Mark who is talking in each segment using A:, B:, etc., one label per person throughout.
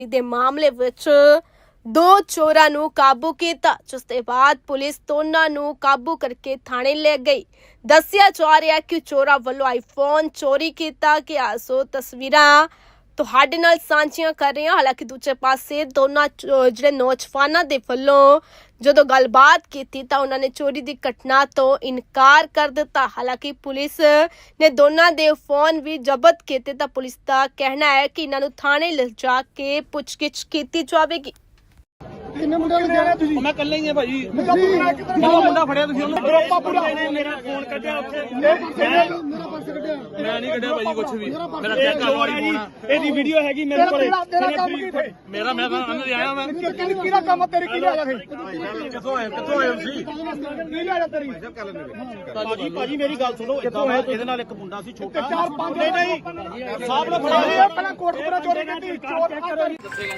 A: ਦੇ ਮਾਮਲੇ ਵਿੱਚ ਦੋ ਚੋਰਾਂ ਨੂੰ ਕਾਬੂ ਕੀਤਾ, ਜਿਸ ਦੇ ਬਾਅਦ ਪੁਲਿਸ ਦੋਨਾਂ ਨੂੰ ਕਾਬੂ ਕਰਕੇ ਥਾਣੇ ਲੈ ਗਈ। ਦੱਸਿਆ ਜਾ ਰਿਹਾ ਕਿ ਚੋਰਾਂ ਵੱਲੋਂ ਆਈਫੋਨ ਚੋਰੀ ਕੀਤਾ ਗਿਆ। ਸੋ ਤਸਵੀਰਾਂ ਤੁਹਾਡੇ ਨਾਲ ਸਾਂਝੀਆਂ ਕਰ ਰਹੇ ਹਾਂ। ਹਾਲਾਂਕਿ ਦੂਜੇ ਪਾਸੇ ਦੋਨਾਂ ਜਿਹੜੇ ਨੌਜਵਾਨਾਂ ਦੇ ਵੱਲੋਂ ਜਦੋਂ ਗੱਲਬਾਤ ਕੀਤੀ ਤਾਂ ਉਹਨਾਂ ਨੇ ਚੋਰੀ ਦੀ ਘਟਨਾ ਤੋਂ ਇਨਕਾਰ ਕਰ ਦਿੱਤਾ। ਹਾਲਾਂਕਿ ਪੁਲਿਸ ਨੇ ਦੋਨਾਂ ਦੇ ਫੋਨ ਵੀ ਜ਼ਬਤ ਕੀਤੇ ਤਾਂ ਪੁਲਿਸ ਦਾ ਕਹਿਣਾ ਹੈ ਕਿ ਇਹਨਾਂ ਨੂੰ ਥਾਣੇ ਲਿਜਾ ਕੇ ਪੁੱਛਗਿੱਛ ਕੀਤੀ ਜਾਵੇਗੀ।
B: ਕਿੰਨੇ ਮੁੰਡੇ ਲਿਜਾਣਾ ਤੁਸੀਂ?
C: ਮੈਂ ਇਕੱਲਾ ਹੀ ਆ ਭਾਜੀ।
B: ਮੇਰਾ
C: ਮੁੰਡਾ ਫੜਿਆ ਤੁਸੀਂ ਉਹਨੂੰ
B: ਗਰੋਪਾ ਪੂਰਾ
C: ਮੇਰਾ ਫੋਨ ਕੱਢਿਆ ਉੱਥੇ।
B: ਮੇਰਾ ਪਰਸ ਕੱਢਿਆ।
C: ਮੈਂ ਨਹੀਂ ਕੱਢਿਆ ਭਾਜੀ ਕੁਝ ਵੀ। ਮੇਰਾ ਚੈੱਕ ਕਰ ਵਾਲੀ ਫੋਨ ਆ।
B: ਇਹਦੀ ਵੀਡੀਓ ਹੈਗੀ ਮੇਰੇ ਕੋਲੇ। ਤੇਰਾ ਕੰਮ ਕੀ ਥੇ?
C: ਮੇਰਾ ਮੈਂ ਤਾਂ ਅੰਦਰ ਆਇਆ ਮੈਂ।
B: ਕਿਹਦਾ ਕੰਮ ਤੇਰੇ ਕੀ ਲਿਆ ਥੇ?
C: ਕਿੱਥੋਂ ਆਏ ਤੁਸੀਂ?
B: ਕੀ ਲਿਆ ਤੇਰੀ?
C: ਭਾਜੀ ਮੇਰੀ ਗੱਲ ਸੁਣੋ। ਇਹਦੇ ਨਾਲ ਇੱਕ ਮੁੰਡਾ ਸੀ ਛੋਟਾ।
B: ਚਾਰ ਪੰਜ
C: ਨਹੀਂ ਸਾਹਬ ਨੇ ਫੜਿਆ
B: ਪਹਿਲਾਂ ਕੋਟਪੁਰਾ ਚੋਰੀ ਕੀਤੀ। ਚੋਰ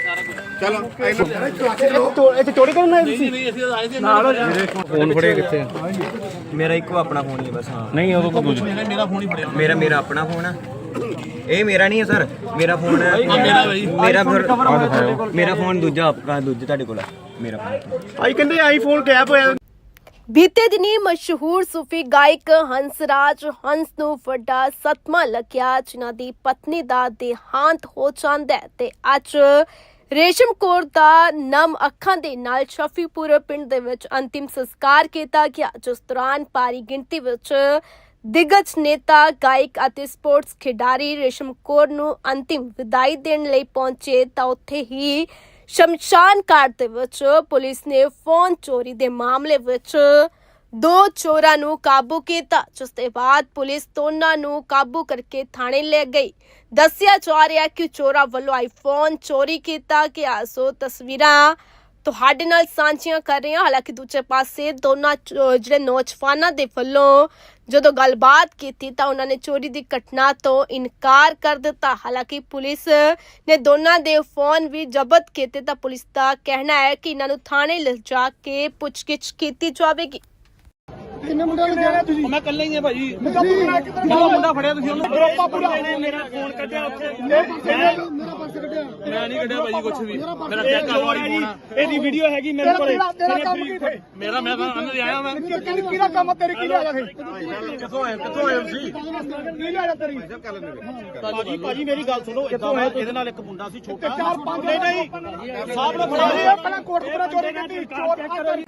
D: ਇੱਥੇ ਚੋਰੀ ਕਰਨ ਆਏ ਤੁਸੀਂ?
C: ਨਹੀਂ ਅਸੀਂ ਆਏ ਸੀ
D: ਫੋਨ ਫੜਿਆ ਕਿੱਥੇ?
E: ਮੇਰਾ ਇੱਕੋ ਆਪਣਾ ਫੋਨ ਹੀ ਹੈ ਬਸ। ਹਾਂ
D: ਨਹੀਂ ਉਦੋਂ ਕੋਈ ਦੂਜਾ
C: ਮੇਰਾ ਫੋਨ ਹੀ ਫੜਿਆ।
E: ਮੇਰਾ ਆਪਣਾ ਫੋਨ ਆ। ਇਹ ਮੇਰਾ ਨਹੀਂ ਹੈ ਸਰ, ਮੇਰਾ ਫੋਨ ਹੈ।
C: ਮੇਰਾ ਭਾਈ।
E: ਮੇਰਾ ਫੋਨ ਦੂਜਾ ਤੁਹਾਡੇ ਕੋਲ ਆ। ਮੇਰਾ ਫੋਨ
D: ਆਈ ਕਹਿੰਦੇ ਆਈਫੋਨ ਗਾਇਬ ਹੋਇਆ।
A: ਬੀਤੇ ਦਿਨੀ ਮਸ਼ਹੂਰ ਸੂਫੀ ਗਾਇਕ ਹੰਸਰਾਜ ਹੰਸ ਨੂੰ ਵੱਡਾ ਸਦਮਾ ਲੱਗਿਆ, ਜਿਨ੍ਹਾਂ ਦੀ ਪਤਨੀ ਦਾ ਦੇਹਾਂਤ ਹੋ ਜਾਂਦਾ ਹੈ ਤੇ ਅੱਜ ਰੇਸ਼ਮ ਕੌਰ ਦਾ ਨਮ ਅੱਖਾਂ ਦੇ ਨਾਲ ਸ਼ਫੀਪੁਰ ਪਿੰਡ ਦੇ ਵਿੱਚ ਅੰਤਿਮ ਸੰਸਕਾਰ ਕੀਤਾ ਗਿਆ, ਜਿਸ ਦੌਰਾਨ ਭਾਰੀ ਗਿਣਤੀ ਵਿੱਚ ਦਿਗਜ ਨੇਤਾ, ਗਾਇਕ ਅਤੇ ਸਪੋਰਟਸ ਖਿਡਾਰੀ ਰੇਸ਼ਮ ਕੌਰ ਨੂੰ ਅੰਤਿਮ ਵਿਦਾਈ ਦੇਣ ਲਈ ਪਹੁੰਚੇ ਤਾਂ ਉੱਥੇ ਹੀ ਸ਼ਮਸ਼ਾਨ ਘਾਟ ਦੇ ਵਿੱਚ ਪੁਲਿਸ ਨੇ ਫੋਨ ਚੋਰੀ ਦੇ ਮਾਮਲੇ ਵਿੱਚ ਦੋ ਚੋਰਾਂ ਨੂੰ ਕਾਬੂ ਕੀਤਾ, ਜਿਸ ਦੇ ਬਾਅਦ ਪੁਲਿਸ ਦੋਨਾਂ ਨੂੰ ਕਾਬੂ ਕਰਕੇ ਥਾਣੇ ਲੈ ਗਈ। ਦੱਸਿਆ ਜਾ ਰਿਹਾ ਕਿ ਚੋਰਾਂ ਵੱਲੋਂ ਆਈਫੋਨ ਚੋਰੀ ਕੀਤਾ ਗਿਆ। ਸੋ ਤਸਵੀਰਾਂ ਤੁਹਾਡੇ ਨਾਲ ਸਾਂਝੀਆਂ ਕਰ ਰਹੇ ਹਾਂ। ਹਾਲਾਂਕਿ ਦੂਜੇ ਪਾਸੇ ਦੋਨਾਂ ਜਿਹੜੇ ਨੌਜਵਾਨਾਂ ਦੇ ਵੱਲੋਂ ਜਦੋਂ ਗੱਲਬਾਤ ਕੀਤੀ ਤਾਂ ਉਹਨਾਂ ਨੇ ਚੋਰੀ ਦੀ ਘਟਨਾ ਤੋਂ ਇਨਕਾਰ ਕਰ ਦਿੱਤਾ। ਹਾਲਾਂਕਿ ਪੁਲਿਸ ਨੇ ਦੋਨਾਂ ਦੇ ਫੋਨ ਵੀ ਜ਼ਬਤ ਕੀਤੇ ਤਾਂ ਪੁਲਿਸ ਦਾ ਕਹਿਣਾ ਹੈ ਕਿ ਇਹਨਾਂ ਨੂੰ ਥਾਣੇ ਲਿਜਾ ਕੇ ਪੁੱਛਗਿੱਛ ਕੀਤੀ ਜਾਵੇਗੀ।
B: ਕਿੰਨੇ ਮੁੰਡੇ ਲਿਜਾਣਾ ਤੁਸੀਂ?
C: ਮੈਂ ਇਕੱਲਾ ਹੀ ਆ ਭਾਜੀ।
B: ਮੇਰਾ
C: ਮੁੰਡਾ ਫੜਿਆ ਤੁਸੀਂ ਉਹਨੂੰ
B: ਗਰੋਪਾ ਪੂਰਾ
C: ਮੇਰਾ ਫੋਨ ਕੱਢਿਆ ਉੱਥੇ।
B: ਮੇਰਾ ਪਰਸ ਕੱਢਿਆ।
C: ਮੈਂ ਨਹੀਂ ਕੱਢਿਆ ਭਾਜੀ ਕੁਝ ਵੀ। ਮੇਰਾ ਚੈੱਕ ਕਰ ਵਾਲੀ ਫੋਨ ਆ।
B: ਇਹਦੀ ਵੀਡੀਓ ਹੈਗੀ ਮੇਰੇ ਕੋਲੇ। ਤੇਰਾ ਕੰਮ ਕੀ ਥੇ?
C: ਮੇਰਾ ਮੈਂ ਤਾਂ ਅੰਦਰ ਆਇਆ ਮੈਂ।
B: ਕਿਹਦਾ ਕੰਮ ਤੇਰੇ ਕੀ ਲਿਆ ਥੇ?
C: ਕਿੱਥੋਂ ਆਏ ਤੁਸੀਂ?
B: ਕੀ ਲਿਆ ਤੇਰੀ?
C: ਭਾਜੀ ਮੇਰੀ ਗੱਲ ਸੁਣੋ। ਇਹਦੇ ਨਾਲ ਇੱਕ ਮੁੰਡਾ ਸੀ ਛੋਟਾ।
B: ਚਾਰ ਪੰਜ
C: ਨਹੀਂ ਸਾਹਬ ਨੇ ਫੜਿਆ।
B: ਪਹਿਲਾਂ ਕੋਟਪੁਰਾ ਚੋਰੀ ਕੀਤੀ। ਚੋਰ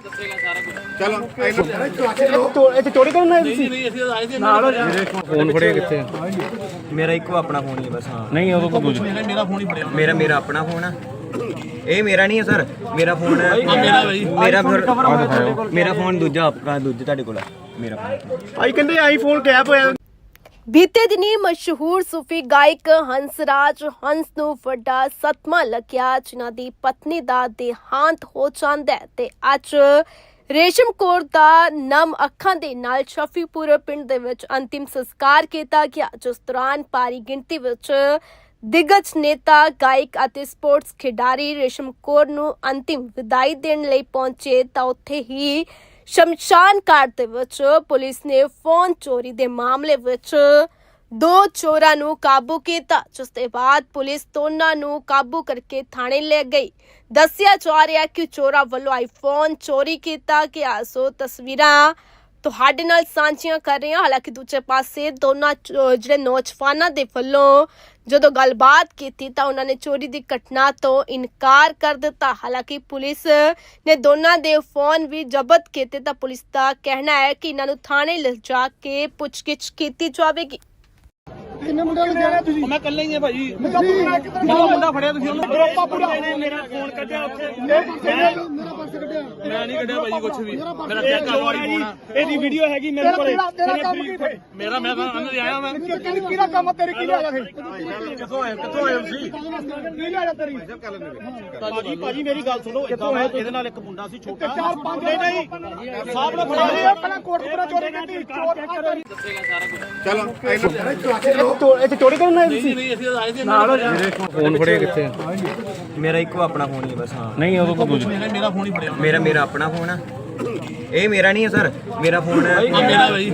D: ਇੱਥੇ ਚੋਰੀ ਕਰਨ ਆਏ ਤੁਸੀਂ?
C: ਨਹੀਂ ਅਸੀਂ ਆਏ ਸੀ
D: ਫੋਨ ਫੜਿਆ ਕਿੱਥੇ?
E: ਮੇਰਾ ਇੱਕੋ ਆਪਣਾ ਫੋਨ ਹੀ ਹੈ ਬਸ। ਹਾਂ
D: ਨਹੀਂ ਉਦੋਂ ਕੋਈ ਦੂਜਾ
C: ਮੇਰਾ ਫੋਨ ਹੀ ਫੜਿਆ।
E: ਮੇਰਾ ਆਪਣਾ ਫੋਨ ਆ। ਇਹ ਮੇਰਾ ਨਹੀਂ ਹੈ ਸਰ, ਮੇਰਾ ਫੋਨ ਹੈ।
C: ਮੇਰਾ ਭਾਈ।
E: ਮੇਰਾ ਫੋਨ ਦੂਜਾ ਤੁਹਾਡੇ ਕੋਲ ਆ। ਮੇਰਾ ਫੋਨ
D: ਆਈ ਕਹਿੰਦੇ ਆਈਫੋਨ ਗਾਇਬ ਹੋਇਆ।
A: ਬੀਤੇ ਦਿਨੀ ਮਸ਼ਹੂਰ ਸੂਫੀ ਗਾਇਕ ਹੰਸਰਾਜ ਹੰਸ ਨੂੰ ਵੱਡਾ ਸਦਮਾ ਲੱਗਿਆ, ਜਿਨ੍ਹਾਂ ਦੀ ਪਤਨੀ ਦਾ ਦੇਹਾਂਤ ਹੋ ਜਾਂਦਾ ਹੈ ਤੇ ਅੱਜ ਰੇਸ਼ਮ ਕੌਰ ਦਾ ਨਮ ਅੱਖਾਂ ਦੇ ਨਾਲ ਸ਼ਫੀਪੁਰ ਪਿੰਡ ਦੇ ਵਿੱਚ ਅੰਤਿਮ ਸੰਸਕਾਰ ਕੀਤਾ ਗਿਆ, ਜਿਸ ਦੌਰਾਨ ਭਾਰੀ ਗਿਣਤੀ ਵਿੱਚ ਦਿਗਜ ਨੇਤਾ, ਗਾਇਕ ਅਤੇ ਸਪੋਰਟਸ ਖਿਡਾਰੀ ਰੇਸ਼ਮ ਕੌਰ ਨੂੰ ਅੰਤਿਮ ਵਿਦਾਈ ਦੇਣ ਲਈ ਪਹੁੰਚੇ ਤਾਂ ਉੱਥੇ ਹੀ ਸ਼ਮਸ਼ਾਨ ਘਾਟ ਦੇ ਵਿੱਚ ਪੁਲਿਸ ਨੇ ਫੋਨ ਚੋਰੀ ਦੇ ਮਾਮਲੇ ਵਿੱਚ ਦੋ ਚੋਰਾਂ ਨੂੰ ਕਾਬੂ ਕੀਤਾ, ਜਿਸ ਦੇ ਬਾਅਦ ਪੁਲਿਸ ਦੋਨਾਂ ਨੂੰ ਕਾਬੂ ਕਰਕੇ ਥਾਣੇ ਲੈ ਗਈ। ਦੱਸਿਆ ਜਾ ਰਿਹਾ ਕਿ ਚੋਰਾਂ ਵੱਲੋਂ ਆਈਫੋਨ ਚੋਰੀ ਕੀਤਾ ਗਿਆ। ਸੋ ਤਸਵੀਰਾਂ ਤੁਹਾਡੇ ਨਾਲ ਸਾਂਝੀਆਂ ਕਰ ਰਹੇ ਹਾਂ। ਹਾਲਾਂਕਿ ਦੂਜੇ ਪਾਸੇ ਦੋਨਾਂ ਜਿਹੜੇ ਨੌਜਵਾਨਾਂ ਦੇ ਵੱਲੋਂ ਜਦੋਂ ਗੱਲਬਾਤ ਕੀਤੀ ਤਾਂ ਉਹਨਾਂ ਨੇ ਚੋਰੀ ਦੀ ਘਟਨਾ ਤੋਂ ਇਨਕਾਰ ਕਰ ਦਿੱਤਾ। ਹਾਲਾਂਕਿ ਪੁਲਿਸ ਨੇ ਦੋਨਾਂ ਦੇ ਫੋਨ ਵੀ ਜ਼ਬਤ ਕੀਤੇ ਤਾਂ ਪੁਲਿਸ ਦਾ ਕਹਿਣਾ ਹੈ ਕਿ ਇਹਨਾਂ ਨੂੰ ਥਾਣੇ ਲਿਜਾ ਕੇ ਪੁੱਛਗਿੱਛ ਕੀਤੀ ਜਾਵੇਗੀ।
B: ਕਿੰਨੇ ਮੁੰਡੇ ਲਿਜਾਣਾ ਤੁਸੀਂ?
C: ਮੈਂ ਇਕੱਲਾ ਹੀ ਆ ਭਾਜੀ।
B: ਮੇਰਾ
C: ਮੁੰਡਾ ਫੜਿਆ ਤੁਸੀਂ ਉਹਨੂੰ
B: ਗਰੋਪਾ ਪੂਰਾ
C: ਮੇਰਾ ਫੋਨ ਕੱਢਿਆ ਉੱਥੇ।
B: ਮੇਰਾ ਪਰਸ ਕੱਢਿਆ।
C: ਮੈਂ ਨਹੀਂ ਕੱਢਿਆ ਭਾਜੀ ਕੁਝ ਵੀ। ਮੇਰਾ ਚੈੱਕ ਕਰ ਵਾਲੀ ਫੋਨ ਆ।
B: ਇਹਦੀ ਵੀਡੀਓ ਹੈਗੀ ਮੇਰੇ ਕੋਲੇ। ਤੇਰਾ ਕੰਮ ਕੀ ਥੇ?
C: ਮੇਰਾ ਮੈਂ ਤਾਂ ਅੰਦਰ ਆਇਆ ਮੈਂ।
B: ਕਿਹਦਾ ਕੰਮ ਤੇਰੇ ਕੀ ਲਿਆ ਥੇ?
C: ਕਿੱਥੋਂ ਆਏ ਤੁਸੀਂ?
B: ਕੀ ਲਿਆ ਤੇਰੀ?
C: ਭਾਜੀ ਮੇਰੀ ਗੱਲ ਸੁਣੋ। ਇਹਦੇ ਨਾਲ ਇੱਕ ਮੁੰਡਾ ਸੀ ਛੋਟਾ।
B: ਚਾਰ ਪੰਜ
C: ਨਹੀਂ ਸਾਹਬ ਨੇ ਫੜਿਆ।
B: ਪਹਿਲਾਂ ਕੋਟਪੁਰਾ ਚੋਰੀ ਕੀਤੀ। ਚੋਰ
D: ਇੱਥੇ ਚੋਰੀ ਕਰਨ ਆਏ ਤੁਸੀਂ?
C: ਨਹੀਂ ਅਸੀਂ ਆਏ ਸੀ
D: ਫੋਨ ਫੜਿਆ ਕਿੱਥੇ?
E: ਮੇਰਾ ਇੱਕੋ ਆਪਣਾ ਫੋਨ ਹੀ ਹੈ ਬਸ। ਹਾਂ
D: ਨਹੀਂ ਉਦੋਂ ਕੋਈ ਦੂਜਾ
C: ਮੇਰਾ ਫੋਨ ਹੀ ਫੜਿਆ।
E: ਮੇਰਾ ਆਪਣਾ ਫੋਨ ਆ। ਇਹ ਮੇਰਾ ਨਹੀਂ ਹੈ ਸਰ, ਮੇਰਾ ਫੋਨ ਹੈ।
C: ਮੇਰਾ ਭਾਈ।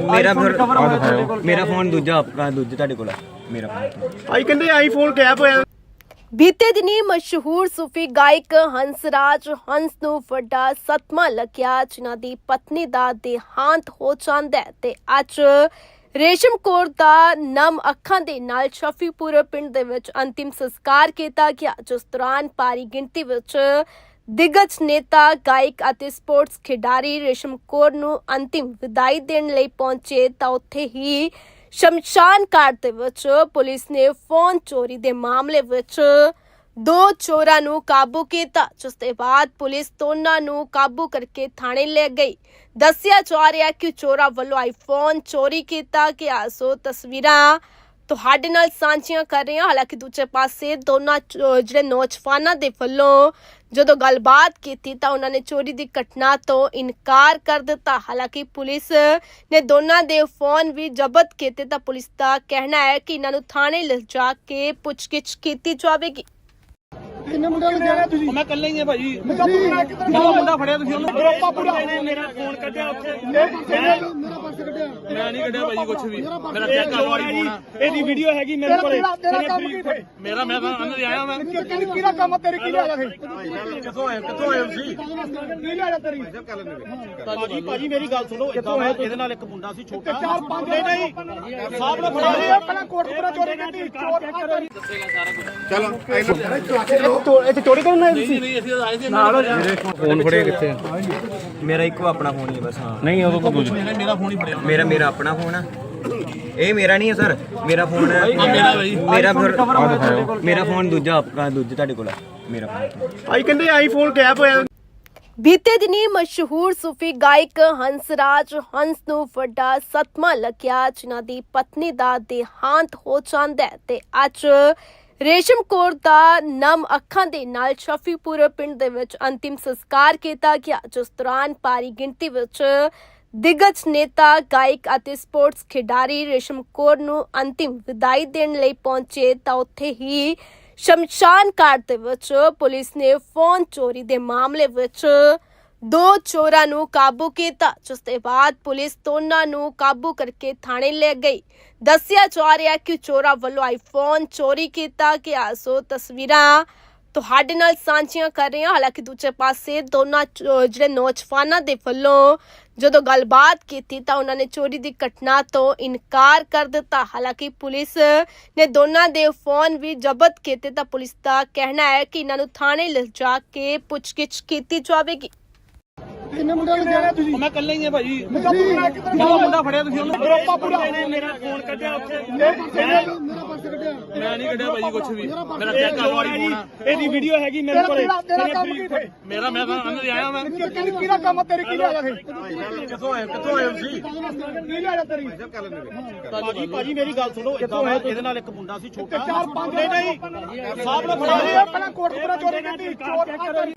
E: ਮੇਰਾ ਫੋਨ ਦੂਜਾ ਤੁਹਾਡੇ ਕੋਲ ਆ। ਮੇਰਾ ਫੋਨ
D: ਆਈ ਕਹਿੰਦੇ ਆਈਫੋਨ ਗਾਇਬ ਹੋਇਆ।
A: ਬੀਤੇ ਦਿਨੀ ਮਸ਼ਹੂਰ ਸੂਫੀ ਗਾਇਕ ਹੰਸਰਾਜ ਹੰਸ ਨੂੰ ਵੱਡਾ ਸਦਮਾ ਲੱਗਿਆ, ਜਿਨ੍ਹਾਂ ਦੀ ਪਤਨੀ ਦਾ ਦੇਹਾਂਤ ਹੋ ਜਾਂਦਾ ਹੈ ਤੇ ਅੱਜ ਰੇਸ਼ਮ ਕੌਰ ਦਾ ਨਮ ਅੱਖਾਂ ਦੇ ਨਾਲ ਸ਼ਫੀਪੁਰ ਪਿੰਡ ਦੇ ਵਿੱਚ ਅੰਤਿਮ ਸੰਸਕਾਰ ਕੀਤਾ ਗਿਆ, ਜਿਸ ਦੌਰਾਨ ਭਾਰੀ ਗਿਣਤੀ ਵਿੱਚ ਦਿਗਜ ਨੇਤਾ, ਗਾਇਕ ਅਤੇ ਸਪੋਰਟਸ ਖਿਡਾਰੀ ਰੇਸ਼ਮ ਕੌਰ ਨੂੰ ਅੰਤਿਮ ਵਿਦਾਈ ਦੇਣ ਲਈ ਪਹੁੰਚੇ ਤਾਂ ਉੱਥੇ ਹੀ ਸ਼ਮਸ਼ਾਨ ਘਾਟ ਦੇ ਵਿੱਚ ਪੁਲਿਸ ਨੇ ਫੋਨ ਚੋਰੀ ਦੇ ਮਾਮਲੇ ਵਿੱਚ 2 ਚੋਰਾਂ ਨੂੰ ਕਾਬੂ ਕੀਤਾ, ਜਿਸ ਦੇ ਬਾਅਦ ਪੁਲਿਸ ਦੋਨਾਂ ਨੂੰ ਕਾਬੂ ਕਰਕੇ ਥਾਣੇ ਲੈ ਗਈ। ਦੱਸਿਆ ਜਾ ਰਿਹਾ ਕਿ ਚੋਰਾਂ ਵੱਲੋਂ ਆਈਫੋਨ ਚੋਰੀ ਕੀਤਾ ਗਿਆ। ਸੋ ਤਸਵੀਰਾਂ ਤੁਹਾਡੇ ਨਾਲ ਸਾਂਝੀਆਂ ਕਰ ਰਹੇ ਹਾਂ। ਹਾਲਾਂਕਿ ਦੂਜੇ ਪਾਸੇ ਦੋਨਾਂ ਜਿਹੜੇ ਨੌਜਵਾਨਾਂ ਦੇ ਵੱਲੋਂ ਜਦੋਂ ਗੱਲਬਾਤ ਕੀਤੀ ਤਾਂ ਉਹਨਾਂ ਨੇ ਚੋਰੀ ਦੀ ਘਟਨਾ ਤੋਂ ਇਨਕਾਰ ਕਰ ਦਿੱਤਾ। ਹਾਲਾਂਕਿ ਪੁਲਿਸ ਨੇ ਦੋਨਾਂ ਦੇ ਫੋਨ ਵੀ ਜ਼ਬਤ ਕੀਤੇ ਤਾਂ ਪੁਲਿਸ ਦਾ ਕਹਿਣਾ ਹੈ ਕਿ ਇਹਨਾਂ ਨੂੰ ਥਾਣੇ ਲਿਜਾ ਕੇ ਪੁੱਛਗਿੱਛ ਕੀਤੀ ਜਾਵੇਗੀ।
B: ਕਿੰਨੇ ਮੁੰਡੇ ਲੈ ਆਏ ਤੁਸੀਂ?
C: ਮੈਂ ਇਕੱਲਾ ਹੀ ਆ ਭਾਜੀ।
B: ਕਿੰਨਾ
C: ਮੁੰਡਾ ਫੜਿਆ ਤੁਸੀਂ ਉਹਨੂੰ?
B: ਗਰੋਪਾ ਪੂਰਾ
C: ਮੇਰਾ ਫੋਨ ਕੱਢਿਆ ਉੱਥੇ।
B: ਮੇਰਾ ਪਰਸ ਕੱਢਿਆ।
C: ਮੈਂ ਨਹੀਂ ਕੱਢਿਆ ਭਾਜੀ ਕੁਝ ਵੀ। ਮੇਰਾ ਚੈੱਕ ਕਰ ਵਾਲੀ ਫੋਨ ਆ।
B: ਇਹਦੀ ਵੀਡੀਓ ਹੈਗੀ ਮੇਰੇ ਕੋਲੇ। ਤੇਰਾ ਕੰਮ ਕੀ ਥੇ?
C: ਮੈਂ ਅੰਦਰ ਆਇਆ ਮੈਂ।
B: ਕਿਹਦਾ ਕੰਮ ਤੇਰੇ ਕੀ ਲਿਆ ਥੇ?
C: ਕਿੱਥੋਂ ਆਏ ਤੁਸੀਂ?
B: ਕੀ ਲਿਆ ਤੇਰੀ?
C: ਭਾਜੀ ਮੇਰੀ ਗੱਲ ਸੁਣੋ, ਇਹਦੇ ਨਾਲ ਇੱਕ ਮੁੰਡਾ ਸੀ ਛੋਟਾ।
B: 4-5
C: ਨਹੀਂ ਸਾਹਿਬ ਨੇ ਫੜਿਆ
B: ਪਹਿਲਾਂ ਕੋਟਪੁਰਾ ਚੋਰੀ ਕੀਤੀ। ਚੋਰ
D: ਇੱਥੇ ਚੋਰੀ ਕਰਨ ਆਏ ਤੁਸੀਂ?
C: ਨਹੀਂ ਅਸੀਂ ਆਏ ਸੀ
D: ਫੋਨ ਫੜੇ ਕਿੱਥੇ ਆ?
E: ਮੇਰਾ ਇੱਕੋ ਆਪਣਾ ਫੋਨ ਹੀ ਹੈ ਬਸ। ਹਾਂ
D: ਨਹੀਂ ਉਦੋਂ ਤੋਂ ਦੂਜਾ
C: ਮੇਰਾ ਫੋਨ ਹੀ ਫੜਿਆ।
E: ਮੇਰਾ ਆਪਣਾ ਫੋਨ ਆ। ਇਹ ਮੇਰਾ ਨਹੀਂ ਹੈ ਸਰ, ਮੇਰਾ ਫੋਨ ਹੈ।
C: ਮੇਰਾ ਬਈ।
E: ਮੇਰਾ ਫਿਰ ਮੇਰਾ ਫੋਨ ਦੂਜਾ ਆਪਣਾ ਦੂਜੇ ਤੁਹਾਡੇ ਕੋਲ ਆ। ਮੇਰਾ ਫੋਨ
D: ਆਈ ਕਹਿੰਦੇ ਆਈਫੋਨ ਗਾਇਬ ਹੋਇਆ।
A: ਬੀਤੇ ਦਿਨੀ ਮਸ਼ਹੂਰ ਸੂਫੀ ਗਾਇਕ ਹੰਸਰਾਜ ਹੰਸ ਨੂੰ ਵੱਡਾ ਸਦਮਾ ਲੱਗਿਆ, ਜਿਨ੍ਹਾਂ ਦੀ ਪਤਨੀ ਦਾ ਦੇਹਾਂਤ ਹੋ ਜਾਂਦਾ ਹੈ ਤੇ ਅੱਜ ਰੇਸ਼ਮ ਕੌਰ ਦਾ ਨਮ ਅੱਖਾਂ ਦੇ ਨਾਲ ਸ਼ਫੀਪੁਰ ਪਿੰਡ ਦੇ ਵਿੱਚ ਅੰਤਿਮ ਸੰਸਕਾਰ ਕੀਤਾ ਗਿਆ, ਜਿਸ ਦੌਰਾਨ ਭਾਰੀ ਗਿਣਤੀ ਵਿੱਚ ਦਿਗਜ ਨੇਤਾ, ਗਾਇਕ ਅਤੇ ਸਪੋਰਟਸ ਖਿਡਾਰੀ ਰੇਸ਼ਮ ਕੌਰ ਨੂੰ ਅੰਤਿਮ ਵਿਦਾਈ ਦੇਣ ਲਈ ਪਹੁੰਚੇ ਤਾਂ ਉੱਥੇ ਹੀ ਸ਼ਮਸ਼ਾਨ ਘਾਟ ਦੇ ਵਿੱਚ ਪੁਲਿਸ ਨੇ ਫੋਨ ਚੋਰੀ ਦੇ ਮਾਮਲੇ ਵਿੱਚ 2 ਚੋਰਾਂ ਨੂੰ ਕਾਬੂ ਕੀਤਾ, ਜਿਸ ਦੇ ਬਾਅਦ ਪੁਲਿਸ ਦੋਨਾਂ ਨੂੰ ਕਾਬੂ ਕਰਕੇ ਥਾਣੇ ਲੈ ਗਈ। ਦੱਸਿਆ ਜਾ ਰਿਹਾ ਕਿ ਚੋਰਾਂ ਵੱਲੋਂ ਆਈਫੋਨ ਚੋਰੀ ਕੀਤਾ ਗਿਆ। ਸੋ ਤਸਵੀਰਾਂ ਤੁਹਾਡੇ ਨਾਲ ਸਾਂਝੀਆਂ ਕਰ ਰਹੇ ਹਾਂ। ਹਾਲਾਂਕਿ ਦੂਜੇ ਪਾਸੇ ਦੋਨਾਂ ਜਿਹੜੇ ਨੌਜਵਾਨਾਂ ਦੇ ਵੱਲੋਂ ਜਦੋਂ ਗੱਲਬਾਤ ਕੀਤੀ ਤਾਂ ਉਹਨਾਂ ਨੇ ਚੋਰੀ ਦੀ ਘਟਨਾ ਤੋਂ ਇਨਕਾਰ ਕਰ ਦਿੱਤਾ। ਹਾਲਾਂਕਿ ਪੁਲਿਸ ਨੇ ਦੋਨਾਂ ਦੇ ਫੋਨ ਵੀ ਜ਼ਬਤ ਕੀਤੇ ਤਾਂ ਪੁਲਿਸ ਦਾ ਕਹਿਣਾ ਹੈ ਕਿ ਇਹਨਾਂ ਨੂੰ ਥਾਣੇ ਲਿਜਾ ਕੇ ਪੁੱਛਗਿੱਛ ਕੀਤੀ ਜਾਵੇਗੀ।
B: ਕਿੰਨੇ ਮੁੰਡੇ ਲੈ ਆਏ ਤੁਸੀਂ?
C: ਮੈਂ ਇਕੱਲਾ ਹੀ ਆ ਭਾਜੀ।
B: ਕਿੰਨਾ
C: ਮੁੰਡਾ ਫੜਿਆ ਤੁਸੀਂ ਉਹਨੂੰ?
B: ਗਰੋਪਾ ਪੂਰਾ
C: ਮੇਰਾ ਫੋਨ ਕੱਢਿਆ ਉੱਥੇ।
B: ਮੇਰਾ ਪਰਸ ਕੱਢਿਆ।
C: ਮੈਂ ਨਹੀਂ ਕੱਢਿਆ ਭਾਜੀ ਕੁਝ ਵੀ। ਮੇਰਾ ਚੈੱਕ ਕਰ ਵਾਲੀ ਫੋਨ ਆ।
B: ਇਹਦੀ ਵੀਡੀਓ ਹੈਗੀ ਮੇਰੇ ਕੋਲੇ। ਤੇਰਾ ਕੰਮ ਕੀ ਥੇ?
C: ਮੇਰਾ ਅੰਦਰ ਆਇਆ ਮੈਂ।
B: ਕਿਹਦਾ ਕੰਮ ਤੇਰੇ ਕੀ ਲਿਆ ਥੇ?
C: ਕਿੱਥੋਂ ਆਏ ਤੁਸੀਂ?
B: ਕੀ ਲਿਆ ਤੇਰੀ?
C: ਭਾਜੀ ਮੇਰੀ ਗੱਲ ਸੁਣੋ, ਇਹਦੇ ਨਾਲ ਇੱਕ ਮੁੰਡਾ ਸੀ ਛੋਟਾ।
B: 4-5
C: ਨਹੀਂ ਸਾਹਿਬ ਨੇ ਫੜਿਆ।
B: ਪਹਿਲਾਂ ਕੋਟਪੁਰਾ ਚੋਰੀ ਕੀਤੀ। ਚੋਰ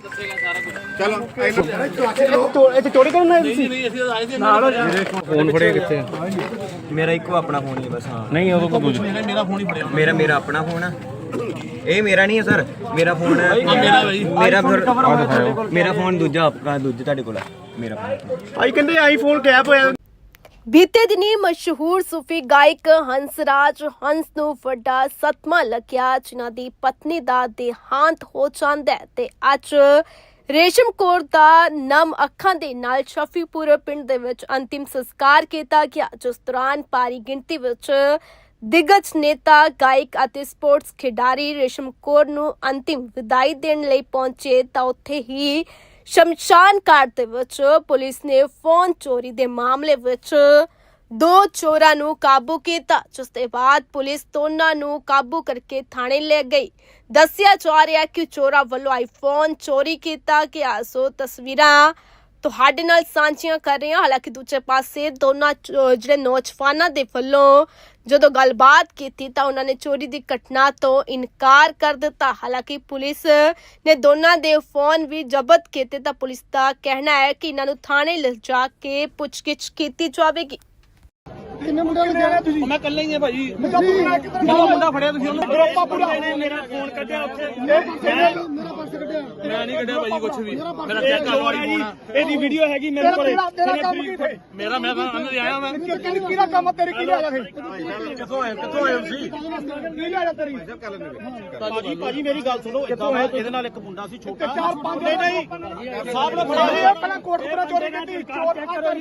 D: ਇੱਥੇ ਚੋਰੀ ਕਰਨ ਆਏ ਤੁਸੀਂ?
C: ਨਹੀਂ ਅਸੀਂ ਆਏ ਸੀ
D: ਫੋਨ ਫੜੇ ਕਿੱਥੇ ਆ?
E: ਮੇਰਾ ਇੱਕੋ ਆਪਣਾ ਫੋਨ ਹੀ ਹੈ ਬਸ। ਹਾਂ
D: ਨਹੀਂ ਉਦੋਂ ਤੋਂ ਦੂਜਾ
C: ਮੇਰਾ ਫੋਨ ਹੀ ਫੜਿਆ।
E: ਮੇਰਾ ਆਪਣਾ ਫੋਨ ਆ। ਇਹ ਮੇਰਾ ਨਹੀਂ ਹੈ ਸਰ, ਮੇਰਾ ਫੋਨ ਹੈ।
C: ਮੇਰਾ ਬਈ।
E: ਮੇਰਾ ਫਿਰ ਮੇਰਾ ਫੋਨ ਦੂਜਾ ਆਪਣਾ ਦੂਜੇ ਤੁਹਾਡੇ ਕੋਲ ਆ। ਮੇਰਾ ਫੋਨ
D: ਆਈ ਕਹਿੰਦੇ ਆਈਫੋਨ ਗਾਇਬ ਹੋਇਆ।
A: ਬੀਤੇ ਦਿਨੀ ਮਸ਼ਹੂਰ ਸੂਫੀ ਗਾਇਕ ਹੰਸਰਾਜ ਹੰਸ ਨੂੰ ਵੱਡਾ ਸਦਮਾ ਲੱਗਿਆ, ਜਿਨ੍ਹਾਂ ਦੀ ਪਤਨੀ ਦਾ ਦੇਹਾਂਤ ਹੋ ਜਾਂਦਾ ਹੈ ਤੇ ਅੱਜ ਰੇਸ਼ਮ ਕੌਰ ਦਾ ਨਮ ਅੱਖਾਂ ਦੇ ਨਾਲ ਸ਼ਫੀਪੁਰ ਪਿੰਡ ਦੇ ਵਿੱਚ ਅੰਤਿਮ ਸੰਸਕਾਰ ਕੀਤਾ ਗਿਆ, ਜਿਸ ਦੌਰਾਨ ਭਾਰੀ ਗਿਣਤੀ ਵਿੱਚ ਦਿਗਜ ਨੇਤਾ, ਗਾਇਕ ਅਤੇ ਸਪੋਰਟਸ ਖਿਡਾਰੀ ਰੇਸ਼ਮ ਕੌਰ ਨੂੰ ਅੰਤਿਮ ਵਿਦਾਈ ਦੇਣ ਲਈ ਪਹੁੰਚੇ ਤਾਂ ਉੱਥੇ ਹੀ ਸ਼ਮਸ਼ਾਨ ਘਾਟ ਦੇ ਵਿੱਚ ਪੁਲਿਸ ਨੇ ਫੋਨ ਚੋਰੀ ਦੇ ਮਾਮਲੇ ਵਿੱਚ 2 ਚੋਰਾਂ ਨੂੰ ਕਾਬੂ ਕੀਤਾ, ਜਿਸ ਦੇ ਬਾਅਦ ਪੁਲਿਸ ਦੋਨਾਂ ਨੂੰ ਕਾਬੂ ਕਰਕੇ ਥਾਣੇ ਲੈ ਗਈ। ਦੱਸਿਆ ਜਾ ਰਿਹਾ ਕਿ ਚੋਰਾਂ ਵੱਲੋਂ ਆਈਫੋਨ ਚੋਰੀ ਕੀਤਾ ਗਿਆ। ਸੋ ਤਸਵੀਰਾਂ ਤੁਹਾਡੇ ਨਾਲ ਸਾਂਝੀਆਂ ਕਰ ਰਹੇ ਹਾਂ। ਹਾਲਾਂਕਿ ਦੂਜੇ ਪਾਸੇ ਦੋਨਾਂ ਜਿਹੜੇ ਨੌਜਵਾਨਾਂ ਦੇ ਵੱਲੋਂ ਜਦੋਂ ਗੱਲਬਾਤ ਕੀਤੀ ਤਾਂ ਉਹਨਾਂ ਨੇ ਚੋਰੀ ਦੀ ਘਟਨਾ ਤੋਂ ਇਨਕਾਰ ਕਰ ਦਿੱਤਾ। ਹਾਲਾਂਕਿ ਪੁਲਿਸ ਨੇ ਦੋਨਾਂ ਦੇ ਫੋਨ ਵੀ ਜ਼ਬਤ ਕੀਤੇ ਤਾਂ ਪੁਲਿਸ ਦਾ ਕਹਿਣਾ ਹੈ ਕਿ ਇਹਨਾਂ ਨੂੰ ਥਾਣੇ ਲਿਜਾ ਕੇ ਪੁੱਛਗਿੱਛ ਕੀਤੀ ਜਾਵੇਗੀ।
B: ਕਿੰਨੇ ਮੁੰਡੇ ਲੈ ਆਏ ਤੁਸੀਂ?
C: ਮੈਂ ਇਕੱਲਾ ਹੀ ਆ ਭਾਜੀ।
B: ਕਿੰਨਾ
C: ਮੁੰਡਾ ਫੜਿਆ ਤੁਸੀਂ ਉਹਨੂੰ?
B: ਗਰੋਪਾ ਪੂਰਾ
C: ਮੇਰਾ ਫੋਨ ਕੱਢਿਆ ਉੱਥੇ।
B: ਮੇਰਾ ਪਰਸ ਕੱਢਿਆ।
C: ਮੈਂ ਨਹੀਂ ਕੱਢਿਆ ਭਾਜੀ ਕੁਝ ਵੀ ਮੇਰਾ ਚੈੱਕ ਕਰ ਲਓ ਜੀ ਇਹਦੀ ਵੀਡੀਓ ਹੈਗੀ ਮੇਰੇ ਕੋਲੇ
B: ਤੇਰਾ ਕੰਮ ਕੀ ਥੇ
C: ਮੇਰਾ ਮੈਂ ਅੰਦਰ ਆਇਆ ਮੈਂ
B: ਕਿਹਦਾ ਕੰਮ ਤੇਰੀ ਕੀ ਲਿਆ ਥੇ
C: ਕਿੱਥੋਂ ਆਏ ਤੁਸੀਂ
B: ਕੀ ਲਿਆ ਤੇਰੀ
C: ਭਾਜੀ ਮੇਰੀ ਗੱਲ ਸੁਣੋ ਇਹਦੇ ਨਾਲ ਇੱਕ ਮੁੰਡਾ ਸੀ ਛੋਟਾ
B: ਚਾਰ ਪੰਜ
C: ਨਹੀਂ ਸਾਹਿਬ ਨੇ ਫੜਿਆ
B: ਪਹਿਲਾਂ ਕੋਟਪੁਰਾ ਚੋਰੀ ਕੀਤੀ ਚੋਰ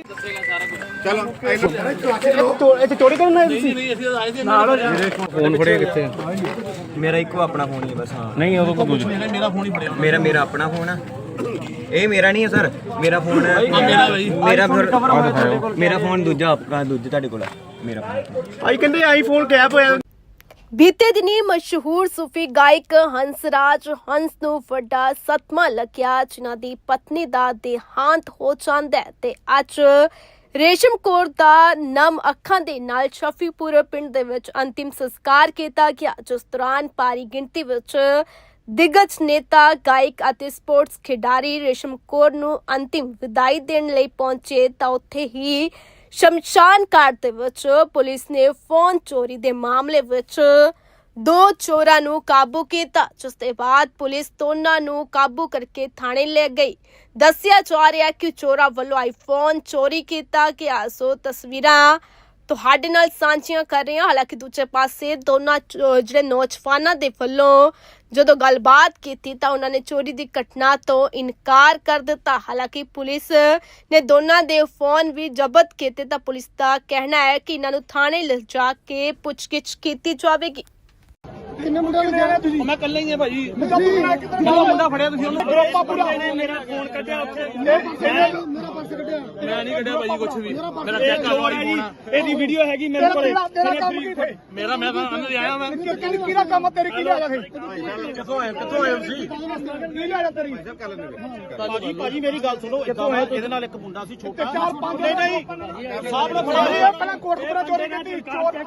D: ਇੱਥੇ ਚੋਰੀ ਕਰਨ ਆਏ ਤੁਸੀਂ
C: ਨਹੀਂ ਅਸੀਂ ਆਏ ਸੀ
D: ਫੋਨ ਫੜਿਆ ਕਿੱਥੇ ਆ?
E: ਮੇਰਾ ਇੱਕੋ ਆਪਣਾ ਫੋਨ ਹੀ ਹੈ ਬਸ ਹਾਂ
D: ਨਹੀਂ ਉਦੋਂ ਕੋਈ ਦੂਜਾ
C: ਮੇਰਾ ਫੋਨ ਹੀ ਫੜਿਆ
E: ਮੇਰਾ ਆਪਣਾ ਫੋਨ ਆ ਇਹ ਮੇਰਾ ਨਹੀਂ ਹੈ ਸਰ ਮੇਰਾ ਫੋਨ
C: ਮੇਰਾ ਬਈ
E: ਮੇਰਾ ਫਿਰ ਮੇਰਾ ਫੋਨ ਦੂਜਾ ਆਪਣਾ ਦੂਜੇ ਤੁਹਾਡੇ ਕੋਲ ਆ ਮੇਰਾ ਫੋਨ
D: ਭਾਈ ਕਹਿੰਦੇ ਆਈਫੋਨ ਗਾਇਬ ਹੋਇਆ
A: ਬੀਤੇ ਦਿਨੀ ਮਸ਼ਹੂਰ ਸੂਫੀ ਗਾਇਕ ਹੰਸਰਾਜ ਹੰਸ ਨੂੰ ਵੱਡਾ ਸਦਮਾ ਲੱਗਿਆ, ਜਿਨ੍ਹਾਂ ਦੀ ਪਤਨੀ ਦਾ ਦੇਹਾਂਤ ਹੋ ਜਾਂਦਾ ਹੈ ਤੇ ਅੱਜ ਰੇਸ਼ਮ ਕੌਰ ਦਾ ਨਮ ਅੱਖਾਂ ਦੇ ਨਾਲ ਸ਼ਫੀਪੁਰ ਪਿੰਡ ਦੇ ਵਿੱਚ ਅੰਤਿਮ ਸੰਸਕਾਰ ਕੀਤਾ ਗਿਆ, ਜਿਸ ਦੌਰਾਨ ਭਾਰੀ ਗਿਣਤੀ ਵਿੱਚ ਦਿਗਜ ਨੇਤਾ ਗਾਇਕ ਅਤੇ ਸਪੋਰਟਸ ਖਿਡਾਰੀ ਰੇਸ਼ਮ ਕੌਰ ਨੂੰ ਅੰਤਿਮ ਵਿਦਾਈ ਦੇਣ ਲਈ ਪਹੁੰਚੇ ਤਾਂ ਉੱਥੇ ਹੀ ਸ਼ਮਸ਼ਾਨ ਘਾਟ ਦੇ ਵਿੱਚ ਪੁਲਿਸ ਨੇ ਫੋਨ ਚੋਰੀ ਦੇ ਮਾਮਲੇ ਵਿੱਚ 2 ਚੋਰਾਂ ਨੂੰ ਕਾਬੂ ਕੀਤਾ, ਜਿਸ ਦੇ ਬਾਅਦ ਪੁਲਿਸ ਦੋਨਾਂ ਨੂੰ ਕਾਬੂ ਕਰਕੇ ਥਾਣੇ ਲੈ ਗਈ। ਦੱਸਿਆ ਜਾ ਰਿਹਾ ਕਿ ਚੋਰਾਂ ਵੱਲੋਂ ਆਈਫੋਨ ਚੋਰੀ ਕੀਤਾ ਗਿਆ, ਸੋ ਤਸਵੀਰਾਂ ਤੁਹਾਡੇ ਨਾਲ ਸਾਂਝੀਆਂ ਕਰ ਰਹੇ ਹਾਂ। ਹਾਲਾਂਕਿ ਦੂਜੇ ਪਾਸੇ ਦੋਨਾਂ ਜਿਹੜੇ ਨੌਜਵਾਨਾਂ ਦੇ ਵੱਲੋਂ ਜਦੋਂ ਗੱਲਬਾਤ ਕੀਤੀ ਤਾਂ ਉਹਨਾਂ ਨੇ ਚੋਰੀ ਦੀ ਘਟਨਾ ਤੋਂ ਇਨਕਾਰ ਕਰ ਦਿੱਤਾ। ਹਾਲਾਂਕਿ ਪੁਲਿਸ ਨੇ ਦੋਨਾਂ ਦੇ ਫੋਨ ਵੀ ਜ਼ਬਤ ਕੀਤੇ ਤਾਂ ਪੁਲਿਸ ਦਾ ਕਹਿਣਾ ਹੈ ਕਿ ਇਹਨਾਂ ਨੂੰ ਥਾਣੇ ਲਿਜਾ ਕੇ ਪੁੱਛਗਿੱਛ ਕੀਤੀ ਜਾਵੇਗੀ।
B: ਕਿੰਨੇ ਮੁੰਡੇ ਲਿਆ ਤੁਸੀਂ
C: ਮੈਂ ਇਕੱਲਾ ਹੀ ਆ ਭਾਜੀ
B: ਮੇਰਾ
C: ਮੁੰਡਾ ਫੜਿਆ ਤੁਸੀਂ ਉਹਨੂੰ
B: ਗਰੋਪਾ ਪੂਰਾ
C: ਮੇਰਾ ਫੋਨ ਕੱਢਿਆ ਉੱਥੇ
B: ਮੇਰਾ ਪਰਸ ਕੱਢਿਆ
C: ਮੈਂ ਨਹੀਂ ਕੱਢਿਆ ਭਾਜੀ ਕੁਝ ਵੀ ਮੇਰਾ ਚੈੱਕ ਕਰ ਲਓ ਜੀ ਇਹਦੀ ਵੀਡੀਓ ਹੈਗੀ ਮੇਰੇ ਕੋਲੇ
B: ਤੇਰਾ ਕੰਮ ਕੀ ਥੇ
C: ਮੇਰਾ ਮੈਂ ਅੰਦਰ ਆਇਆ ਮੈਂ
B: ਕਿਹਦਾ ਕੰਮ ਤੇਰੀ ਕੀ ਲਿਆ ਥੇ
C: ਕਿੱਥੋਂ ਆਏ ਤੁਸੀਂ
B: ਕੀ ਲਿਆ ਤੇਰੀ
C: ਭਾਜੀ ਮੇਰੀ ਗੱਲ ਸੁਣੋ ਇਹਦੇ ਨਾਲ ਇੱਕ ਮੁੰਡਾ ਸੀ ਛੋਟਾ
B: ਚਾਰ ਪੰਜ
C: ਨਹੀਂ ਸਾਹਿਬ ਨੇ ਫੜਿਆ
B: ਪਹਿਲਾਂ ਕੋਟਪੁਰਾ ਚੋਰੀ ਕੀਤੀ ਚੋਰ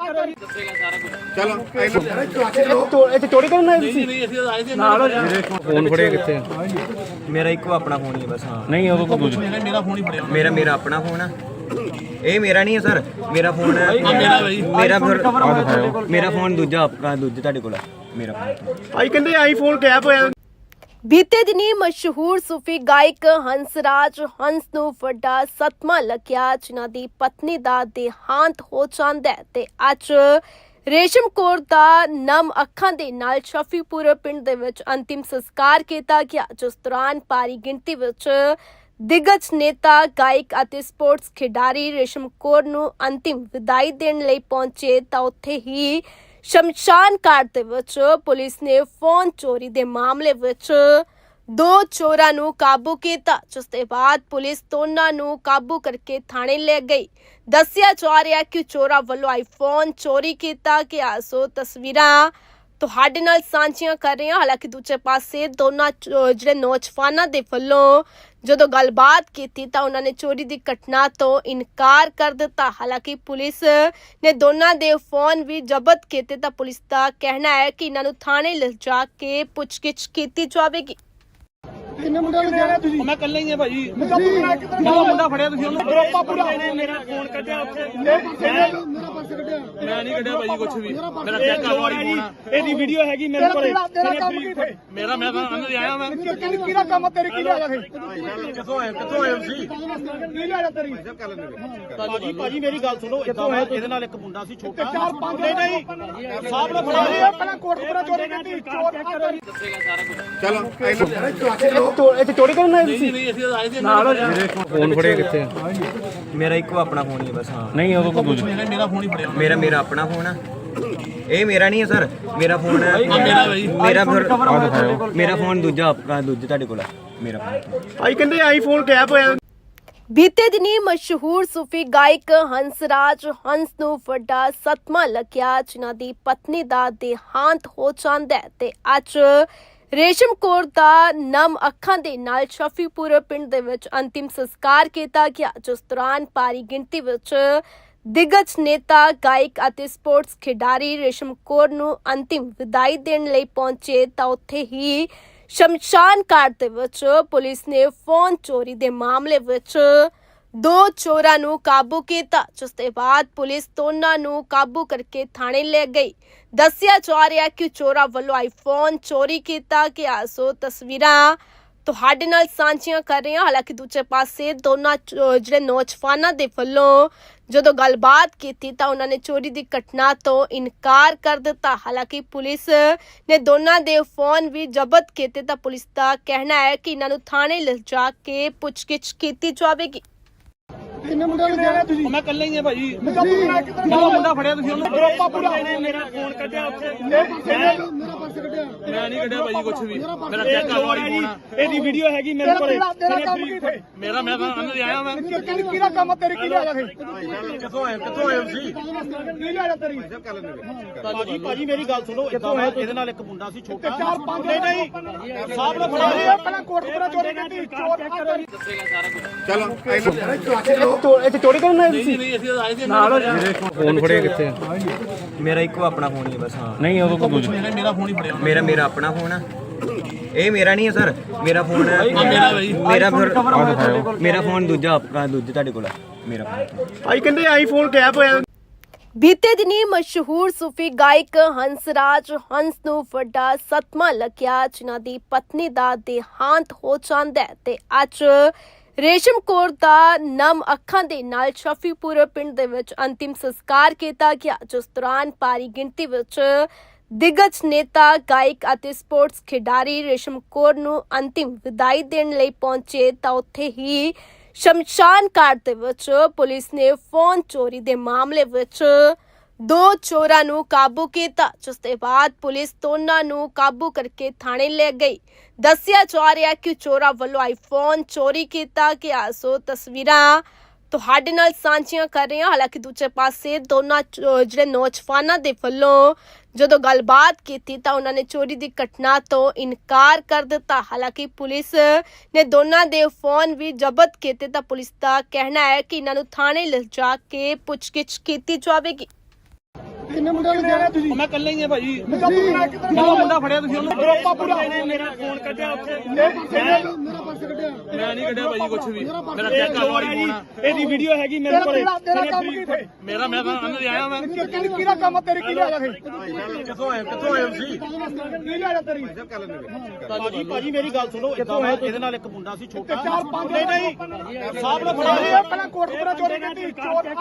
D: ਇੱਥੇ ਚੋਰੀ ਕਰਨ ਆਏ ਤੁਸੀਂ
C: ਨਹੀਂ ਅਸੀਂ ਆਏ ਸੀ
D: ਫੋਨ ਫੜਿਆ ਕਿੱਥੇ ਆ?
E: ਮੇਰਾ ਇੱਕੋ ਆਪਣਾ ਫੋਨ ਹੀ ਹੈ ਬਸ ਹਾਂ
D: ਨਹੀਂ ਉਦੋਂ ਕੋਈ ਦੂਜਾ
C: ਮੇਰਾ ਫੋਨ ਹੀ ਫੜਿਆ
E: ਮੇਰਾ ਆਪਣਾ ਫੋਨ ਆ ਇਹ ਮੇਰਾ ਨਹੀਂ ਹੈ ਸਰ ਮੇਰਾ ਫੋਨ
C: ਮੇਰਾ ਬਈ
E: ਮੇਰਾ ਫਿਰ ਮੇਰਾ ਫੋਨ ਦੂਜਾ ਆਪਣਾ ਦੂਜੇ ਤੁਹਾਡੇ ਕੋਲ ਆ ਮੇਰਾ ਫੋਨ
D: ਭਾਈ ਕਹਿੰਦੇ ਆਈਫੋਨ ਗਾਇਬ ਹੋਇਆ
A: ਬੀਤੇ ਦਿਨੀ ਮਸ਼ਹੂਰ ਸੂਫੀ ਗਾਇਕ ਹੰਸਰਾਜ ਹੰਸ ਨੂੰ ਵੱਡਾ ਸਦਮਾ ਲੱਗਿਆ, ਜਿਨ੍ਹਾਂ ਦੀ ਪਤਨੀ ਦਾ ਦੇਹਾਂਤ ਹੋ ਜਾਂਦਾ ਹੈ ਤੇ ਅੱਜ ਰੇਸ਼ਮ ਕੌਰ ਦਾ ਨਮ ਅੱਖਾਂ ਦੇ ਨਾਲ ਸ਼ਫੀਪੁਰ ਪਿੰਡ ਦੇ ਵਿੱਚ ਅੰਤਿਮ ਸੰਸਕਾਰ ਕੀਤਾ ਗਿਆ, ਜਿਸ ਦੌਰਾਨ ਭਾਰੀ ਗਿਣਤੀ ਵਿੱਚ ਦਿਗਜ ਨੇਤਾ ਗਾਇਕ ਅਤੇ ਸਪੋਰਟਸ ਖਿਡਾਰੀ ਰੇਸ਼ਮ ਕੌਰ ਨੂੰ ਅੰਤਿਮ ਵਿਦਾਈ ਦੇਣ ਲਈ ਪਹੁੰਚੇ ਤਾਂ ਉੱਥੇ ਹੀ ਸ਼ਮਸ਼ਾਨ ਘਾਟ ਦੇ ਵਿੱਚ ਪੁਲਿਸ ਨੇ ਫੋਨ ਚੋਰੀ ਦੇ ਮਾਮਲੇ ਵਿੱਚ 2 ਚੋਰਾਂ ਨੂੰ ਕਾਬੂ ਕੀਤਾ, ਜਿਸ ਦੇ ਬਾਅਦ ਪੁਲਿਸ ਦੋਨਾਂ ਨੂੰ ਕਾਬੂ ਕਰਕੇ ਥਾਣੇ ਲੈ ਗਈ। ਦੱਸਿਆ ਜਾ ਰਿਹਾ ਕਿ ਚੋਰਾਂ ਵੱਲੋਂ ਆਈਫੋਨ ਚੋਰੀ ਕੀਤਾ ਗਿਆ, ਸੋ ਤਸਵੀਰਾਂ ਤੁਹਾਡੇ ਨਾਲ ਸਾਂਝੀਆਂ ਕਰ ਰਹੇ ਹਾਂ। ਹਾਲਾਂਕਿ ਦੂਜੇ ਪਾਸੇ ਦੋਨਾਂ ਜਿਹੜੇ ਨੌਜਵਾਨਾਂ ਦੇ ਵੱਲੋਂ ਜਦੋਂ ਗੱਲਬਾਤ ਕੀਤੀ ਤਾਂ ਉਹਨਾਂ ਨੇ ਚੋਰੀ ਦੀ ਘਟਨਾ ਤੋਂ ਇਨਕਾਰ ਕਰ ਦਿੱਤਾ। ਹਾਲਾਂਕਿ ਪੁਲਿਸ ਨੇ ਦੋਨਾਂ ਦੇ ਫੋਨ ਵੀ ਜ਼ਬਤ ਕੀਤੇ ਤਾਂ ਪੁਲਿਸ ਦਾ ਕਹਿਣਾ ਹੈ ਕਿ ਇਹਨਾਂ ਨੂੰ ਥਾਣੇ ਲਿਜਾ ਕੇ ਪੁੱਛਗਿੱਛ ਕੀਤੀ ਜਾਵੇਗੀ।
B: ਕਿੰਨੇ ਮੁੰਡੇ ਲਿਆ ਤੁਸੀਂ
C: ਮੈਂ ਇਕੱਲਾ ਹੀ ਆ ਭਾਜੀ
B: ਮੇਰਾ
C: ਮੁੰਡਾ ਫੜਿਆ ਤੁਸੀਂ ਉਹਨੂੰ
B: ਗਰੋਪਾ ਪੂਰਾ
C: ਮੇਰਾ ਫੋਨ ਕੱਢਿਆ ਉੱਥੇ
B: ਮੇਰਾ ਪਰਸ ਕੱਢਿਆ
C: ਮੈਂ ਨਹੀਂ ਕੱਢਿਆ ਭਾਜੀ ਕੁਝ ਵੀ ਮੇਰਾ ਚੈੱਕ ਕਰ ਲਓ ਜੀ ਇਹਦੀ ਵੀਡੀਓ ਹੈਗੀ ਮੇਰੇ ਕੋਲੇ
B: ਤੇਰਾ ਕੰਮ ਕੀ ਥੇ
C: ਮੇਰਾ ਮੈਂ ਅੰਦਰ ਆਇਆ ਮੈਂ
B: ਕਿਹਦਾ ਕੰਮ ਤੇਰੀ ਕੀ ਲਿਆ ਥੇ
C: ਕਿੱਥੋਂ ਆਏ ਤੁਸੀਂ
B: ਕੀ ਲਿਆ ਤੇਰੀ
C: ਭਾਜੀ ਮੇਰੀ ਗੱਲ ਸੁਣੋ ਇਹਦੇ ਨਾਲ ਇੱਕ ਮੁੰਡਾ ਸੀ ਛੋਟਾ
B: ਚਾਰ ਪੰਜ
C: ਨਹੀਂ ਸਾਹਿਬ ਨੇ ਫੜਿਆ
B: ਪਹਿਲਾਂ ਕੋਟਪੁਰਾ ਚੋਰੀ ਕੀਤੀ ਚੋਰ
D: ਇੱਥੇ ਚੋਰੀ ਕਰਨ ਆਏ ਤੁਸੀਂ
C: ਨਹੀਂ ਅਸੀਂ ਆਏ ਸੀ
D: ਫੋਨ ਫੜਿਆ ਕਿੱਥੇ ਆ?
E: ਮੇਰਾ ਇੱਕੋ ਆਪਣਾ ਫੋਨ ਹੀ ਹੈ ਬਸ ਹਾਂ
D: ਨਹੀਂ ਉਦੋਂ ਕੋਈ ਦੂਜਾ
C: ਮੇਰਾ ਫੋਨ ਹੀ ਫੜਿਆ
E: ਮੇਰਾ ਆਪਣਾ ਫੋਨ ਆ ਇਹ ਮੇਰਾ ਨਹੀਂ ਹੈ ਸਰ ਮੇਰਾ ਫੋਨ
C: ਮੇਰਾ ਬਈ
E: ਮੇਰਾ ਫਿਰ ਮੇਰਾ ਫੋਨ ਦੂਜਾ ਆਪਣਾ ਦੂਜੇ ਤੁਹਾਡੇ ਕੋਲ ਆ ਮੇਰਾ ਫੋਨ
D: ਭਾਈ ਕਹਿੰਦੇ ਆਈਫੋਨ ਗਾਇਬ ਹੋਇਆ
A: ਬੀਤੇ ਦਿਨੀ ਮਸ਼ਹੂਰ ਸੂਫੀ ਗਾਇਕ ਹੰਸਰਾਜ ਹੰਸ ਨੂੰ ਵੱਡਾ ਸਦਮਾ ਲੱਗਿਆ, ਜਿਨ੍ਹਾਂ ਦੀ ਪਤਨੀ ਦਾ ਦੇਹਾਂਤ ਹੋ ਜਾਂਦਾ ਹੈ ਤੇ ਅੱਜ ਰੇਸ਼ਮ ਕੌਰ ਦਾ ਨਮ ਅੱਖਾਂ ਦੇ ਨਾਲ ਸ਼ਫੀਪੁਰ ਪਿੰਡ ਦੇ ਵਿੱਚ ਅੰਤਿਮ ਸੰਸਕਾਰ ਕੀਤਾ ਗਿਆ, ਜਿਸ ਦੌਰਾਨ ਭਾਰੀ ਗਿਣਤੀ ਵਿੱਚ ਦਿਗਜ ਨੇਤਾ ਗਾਇਕ ਅਤੇ ਸਪੋਰਟਸ ਖਿਡਾਰੀ ਰੇਸ਼ਮ ਕੌਰ ਨੂੰ ਅੰਤਿਮ ਵਿਦਾਈ ਦੇਣ ਲਈ ਪਹੁੰਚੇ ਤਾਂ ਉੱਥੇ ਹੀ ਸ਼ਮਸ਼ਾਨ ਘਾਟ ਦੇ ਵਿੱਚ ਪੁਲਿਸ ਨੇ ਫੋਨ ਚੋਰੀ ਦੇ ਮਾਮਲੇ ਵਿੱਚ 2 ਚੋਰਾਂ ਨੂੰ ਕਾਬੂ ਕੀਤਾ, ਜਿਸ ਦੇ ਬਾਅਦ ਪੁਲਿਸ ਦੋਨਾਂ ਨੂੰ ਕਾਬੂ ਕਰਕੇ ਥਾਣੇ ਲੈ ਗਈ। ਦੱਸਿਆ ਜਾ ਰਿਹਾ ਕਿ ਚੋਰਾਂ ਵੱਲੋਂ ਆਈਫੋਨ ਚੋਰੀ ਕੀਤਾ ਗਿਆ, ਸੋ ਤਸਵੀਰਾਂ ਤੁਹਾਡੇ ਨਾਲ ਸਾਂਝੀਆਂ ਕਰ ਰਹੇ ਹਾਂ। ਹਾਲਾਂਕਿ ਦੂਜੇ ਪਾਸੇ ਦੋਨਾਂ ਜਿਹੜੇ ਨੌਜਵਾਨਾਂ ਦੇ ਵੱਲੋਂ ਜਦੋਂ ਗੱਲਬਾਤ ਕੀਤੀ ਤਾਂ ਉਹਨਾਂ ਨੇ ਚੋਰੀ ਦੀ ਘਟਨਾ ਤੋਂ ਇਨਕਾਰ ਕਰ ਦਿੱਤਾ। ਹਾਲਾਂਕਿ ਪੁਲਿਸ ਨੇ ਦੋਨਾਂ ਦੇ ਫੋਨ ਵੀ ਜ਼ਬਤ ਕੀਤੇ ਤਾਂ ਪੁਲਿਸ ਦਾ ਕਹਿਣਾ ਹੈ ਕਿ ਇਹਨਾਂ ਨੂੰ ਥਾਣੇ ਲਿਜਾ ਕੇ ਪੁੱਛਗਿੱਛ ਕੀਤੀ ਜਾਵੇਗੀ।
B: ਕਿੰਨੇ ਮੁੰਡੇ ਲੈ ਆਏ ਤੁਸੀਂ
C: ਮੈਂ ਇਕੱਲਾ ਹੀ ਆ ਭਾਜੀ
B: ਮੇਰਾ
C: ਮੁੰਡਾ ਫੜਿਆ ਤੁਸੀਂ ਉਹਨੂੰ
B: ਗਰੋਪਾ ਪੂਰਾ
C: ਮੇਰਾ ਫੋਨ ਕੱਢਿਆ ਉੱਥੇ
B: ਮੇਰਾ ਪਰਸ ਕੱਢਿਆ
C: ਮੈਂ ਨਹੀਂ ਕੱਢਿਆ ਭਾਜੀ ਕੁਝ ਵੀ ਮੇਰਾ ਚੈੱਕ ਕਰ ਵਾਲੀ ਫੋਨ ਆ ਇਹਦੀ ਵੀਡੀਓ ਹੈਗੀ ਮੇਰੇ ਕੋਲੇ
B: ਤੇਰਾ ਕੰਮ ਕੀ ਥੇ
C: ਮੇਰਾ ਮੈਂ ਅੰਦਰ ਆਇਆ ਮੈਂ
B: ਕਿਹਦਾ ਕੰਮ ਤੇਰੇ ਕੀ ਲਿਆ ਥੇ
C: ਕਿੱਥੋਂ ਆਏ ਤੁਸੀਂ
B: ਕੀ ਲਿਆ ਤੇਰੀ
C: ਭਾਜੀ ਮੇਰੀ ਗੱਲ ਸੁਣੋ ਇਹਦੇ ਨਾਲ ਇੱਕ ਮੁੰਡਾ ਸੀ ਛੋਟਾ
B: ਚਾਰ ਪੰਜ
C: ਨਹੀਂ ਸਾਹਿਬ ਨੇ ਫੜਿਆ
B: ਪਹਿਲਾਂ ਕੋਟਪੁਰਾ ਚੋਰੀ ਕੀਤੀ ਚੋਰ
D: ਇੱਥੇ ਚੋਰੀ ਕਰਨ ਆਏ ਤੁਸੀਂ
C: ਨਹੀਂ ਅਸੀਂ ਆਏ ਸੀ
D: ਫੋਨ ਫੜੇ ਕਿੱਥੇ ਆ?
E: ਮੇਰਾ ਇੱਕੋ ਆਪਣਾ ਫੋਨ ਹੀ ਹੈ ਬਸ। ਹਾਂ
D: ਨਹੀਂ ਉਦੋਂ ਕੋਈ ਦੂਜਾ
C: ਮੇਰਾ ਫੋਨ ਹੀ ਫੜਿਆ
E: ਮੇਰਾ ਆਪਣਾ ਫੋਨ ਆ। ਇਹ ਮੇਰਾ ਨਹੀਂ ਹੈ ਸਰ, ਮੇਰਾ ਫੋਨ
C: ਮੇਰਾ ਬਈ।
E: ਮੇਰਾ ਫਿਰ ਮੇਰਾ ਫੋਨ ਦੂਜਾ ਆਪਣਾ ਦੂਜੇ ਤੁਹਾਡੇ ਕੋਲ ਆ। ਮੇਰਾ ਫੋਨ
D: ਆਈ ਕਹਿੰਦੇ ਆਈਫੋਨ ਗਾਇਬ ਹੋਇਆ।
A: ਬੀਤੇ ਦਿਨੀ ਮਸ਼ਹੂਰ ਸੂਫੀ ਗਾਇਕ ਹੰਸਰਾਜ ਹੰਸ ਨੂੰ ਵੱਡਾ ਸਦਮਾ ਲੱਗਿਆ, ਜਿਨ੍ਹਾਂ ਦੀ ਪਤਨੀ ਦਾ ਦੇਹਾਂਤ ਹੋ ਜਾਂਦਾ ਹੈ ਤੇ ਅੱਜ ਰੇਸ਼ਮ ਕੌਰ ਦਾ ਨਮ ਅੱਖਾਂ ਦੇ ਨਾਲ ਸ਼ਫੀਪੁਰ ਪਿੰਡ ਦੇ ਵਿੱਚ ਅੰਤਿਮ ਸੰਸਕਾਰ ਕੀਤਾ ਗਿਆ, ਜਿਸ ਦੌਰਾਨ ਭਾਰੀ ਗਿਣਤੀ ਵਿੱਚ ਦਿਗਜ ਨੇਤਾ, ਗਾਇਕ ਅਤੇ ਸਪੋਰਟਸ ਖਿਡਾਰੀ ਰੇਸ਼ਮ ਕੌਰ ਨੂੰ ਅੰਤਿਮ ਵਿਦਾਈ ਦੇਣ ਲਈ ਪਹੁੰਚੇ ਤਾਂ ਉੱਥੇ ਹੀ ਸ਼ਮਸ਼ਾਨ ਘਾਟ ਦੇ ਵਿੱਚ ਪੁਲਿਸ ਨੇ ਫੋਨ ਚੋਰੀ ਦੇ ਮਾਮਲੇ ਵਿੱਚ 2 ਚੋਰਾਂ ਨੂੰ ਕਾਬੂ ਕੀਤਾ, ਜਿਸ ਦੇ ਬਾਅਦ ਪੁਲਿਸ ਦੋਨਾਂ ਨੂੰ ਕਾਬੂ ਕਰਕੇ ਥਾਣੇ ਲੈ ਗਈ। ਦੱਸਿਆ ਜਾ ਰਿਹਾ ਕਿ ਚੋਰਾਂ ਵੱਲੋਂ ਆਈਫੋਨ ਚੋਰੀ ਕੀਤਾ ਗਿਆ। ਸੋ ਤਸਵੀਰਾਂ ਤੁਹਾਡੇ ਨਾਲ ਸਾਂਝੀਆਂ ਕਰ ਰਹੇ ਹਾਂ। ਹਾਲਾਂਕਿ ਦੂਜੇ ਪਾਸੇ ਦੋਨਾਂ ਜਿਹੜੇ ਨੌਜਵਾਨਾਂ ਦੇ ਵੱਲੋਂ ਜਦੋਂ ਗੱਲਬਾਤ ਕੀਤੀ ਤਾਂ ਉਹਨਾਂ ਨੇ ਚੋਰੀ ਦੀ ਘਟਨਾ ਤੋਂ ਇਨਕਾਰ ਕਰ ਦਿੱਤਾ। ਹਾਲਾਂਕਿ ਪੁਲਿਸ ਨੇ ਦੋਨਾਂ ਦੇ ਫੋਨ ਵੀ ਜ਼ਬਤ ਕੀਤੇ ਤਾਂ ਪੁਲਿਸ ਦਾ ਕਹਿਣਾ ਹੈ ਕਿ ਇਹਨਾਂ ਨੂੰ ਥਾਣੇ ਲਿਜਾ ਕੇ ਪੁੱਛਗਿੱਛ ਕੀਤੀ ਜਾਵੇਗੀ।
B: ਕਿੰਨੇ ਮੁੰਡੇ ਲੈ ਆਏ ਤੁਸੀਂ
C: ਮੈਂ ਇਕੱਲਾ ਹੀ ਆ ਭਾਜੀ
B: ਮੇਰਾ
C: ਮੁੰਡਾ ਫੜਿਆ ਤੁਸੀਂ ਉਹਨੂੰ
B: ਗਰੋਪਾ ਪੂਰਾ
C: ਮੇਰਾ ਫੋਨ ਕੱਢਿਆ ਉੱਥੇ
B: ਮੇਰਾ ਪਰਸ ਕੱਢਿਆ
C: ਮੈਂ ਨਹੀਂ ਕੱਢਿਆ ਭਾਜੀ ਕੁਝ ਵੀ ਮੇਰਾ ਚੈੱਕ ਕਰ ਵਾਲੀ ਫੋਨ ਆ ਇਹਦੀ ਵੀਡੀਓ ਹੈਗੀ ਮੇਰੇ ਕੋਲੇ
B: ਤੇਰਾ ਕੰਮ ਕੀ ਥੇ
C: ਮੇਰਾ ਮੈਂ ਅੰਦਰ ਆਇਆ ਮੈਂ
B: ਕਿਹਦਾ ਕੰਮ ਤੇਰੇ ਕੀ ਲਿਆ ਥੇ
C: ਕਿੱਥੋਂ ਆਏ ਤੁਸੀਂ
B: ਕੀ ਲਿਆ ਤੇਰੀ
C: ਭਾਜੀ ਮੇਰੀ ਗੱਲ ਸੁਣੋ ਇਹਦੇ ਨਾਲ ਇੱਕ ਮੁੰਡਾ ਸੀ ਛੋਟਾ
B: ਚਾਰ ਪੰਜ
C: ਨਹੀਂ ਸਾਹਿਬ ਨੇ ਫੜਿਆ
B: ਪਹਿਲਾਂ ਕੋਟਪੁਰਾ ਚੋਰੀ ਕੀਤੀ ਚੋਰ